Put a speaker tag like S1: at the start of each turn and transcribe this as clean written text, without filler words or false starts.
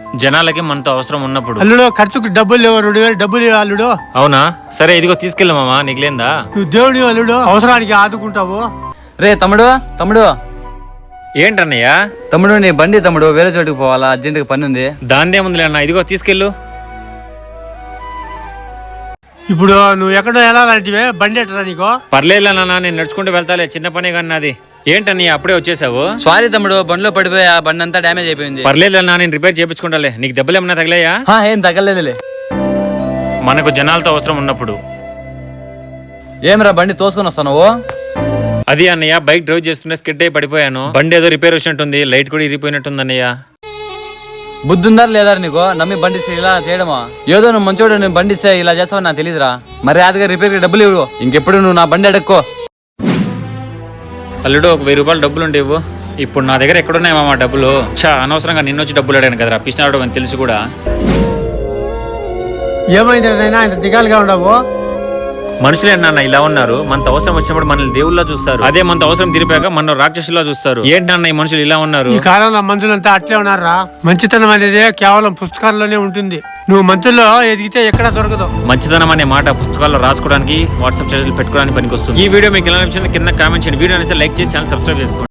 S1: జనాలకి మనతో అవసరం ఉన్నప్పుడు.
S2: అల్లుడు ఖర్చుకు డబ్బులు లేవు, 2000 డబ్బులు ఇవ్వు అల్లుడు.
S1: అవునా, సరే ఇదిగో తీసుకెళ్ళ మామ, నీకులేందా?
S2: నువ్వు దేవుడి అల్లుడు, అవసరానికి ఆదుకుంటావు.
S3: రే తమ్ముడు తమ్ముడు
S1: ఏంటన్నయ్య?
S3: తమ్ముడు నీ బండి తమ్ముడు, వేరే చోటుకు పోవాలా, అర్జెంటుగా పని ఉంది.
S1: దాందేముందిలే అన్న, ఇదిగో తీసుకెళ్ళు.
S2: ఇప్పుడు నువ్వు ఎక్కడో ఎలా లాంటివే బండి ఎట్టరా నీకు?
S1: పర్లేదులే నాన్న, నేను నడుచుకుంటూ వెళ్తాలే, చిన్న పనే కానీ నాది. ఏంటన్నయ్య అప్పుడే వచ్చేసావు?
S3: సారీ తమ్ముడు, బండిలో పడిపోయా, బండి అంతా డ్యామేజ్ అయిపోయింది.
S1: పర్లేదులే, నేను రిపేర్ చేయించుకుంటాలే. నీకు దెబ్బలు ఏమన్నా తగిలాయా?
S3: ఏం తగ్గలేదులే.
S1: మనకు జనాలతో అవసరం ఉన్నప్పుడు.
S3: ఏమరా బండి తోసుకొని వస్తావు?
S1: అది అన్నయ్య, బైక్ డ్రైవ్ చేస్తుంటే స్కిడ్ అయి పడిపోయాను. బండి ఏదో రిపేర్ వచ్చినట్టుంది, లైట్ కూడా ఇరిగిపోయినట్టుంది అన్నయ్య.
S3: బుద్ధుందా లేదా నీకు? నమ్మి బండి ఇస్తే ఇలా చేయడమా? ఏదో నువ్వు మంచోడు, నేను బండి ఇస్తే ఇలా చేస్తావని నాకు తెలియదురా. మరి అదిగా రిపేర్ కి డబ్బులు ఇవ్వు, ఇంకెప్పుడు నువ్వు నా బండి అడక్కో.
S1: అల్లుడు, ఒక 1000 రూపాయలు డబ్బులు ఉండేవు. ఇప్పుడు నా దగ్గర ఎక్కడున్నాయి మామ డబ్బులు? అనవసరంగా నిన్నొచ్చి డబ్బులు అడిగాను కదరా, పిసినాడు అని తెలుసు కూడా.
S2: ఏమైంది నైనా ఇంత దిగాలుగా ఉండవు?
S1: మనుషులే నాన్న ఇలా ఉన్నారు. మనతో అవసరం వచ్చినప్పుడు మనల్ని దేవుళ్ళ చూస్తారు, అదే మనతో అవసరం తీరిపాక మన రాక్షసులా చూస్తారు. ఏంటన్న ఈ మనుషులు ఇలా ఉన్నారు?
S2: ఈ కాలంలో మనుషులంతా అట్లే ఉన్నారా? మంచితనం అనేది కేవలం పుస్తకాల్లోనే ఉంటుంది. నువ్వు మంచుల్లో ఎదిగితే ఎక్కడా దొరకదు.
S1: మంచితనం అనే మాట పుస్తకాల్లో రాసుకోవడానికి, వాట్సాప్ చార్జీలు పెట్టుకోవడానికి పనికొస్తుంది. ఈ వీడియో మీకు ఎలా నచ్చింది కింద కామెంట్ చేయండి. వీడియో అనేసి లైక్ చేసి ఛానల్ సబ్స్క్రైబ్ చేసుకోండి.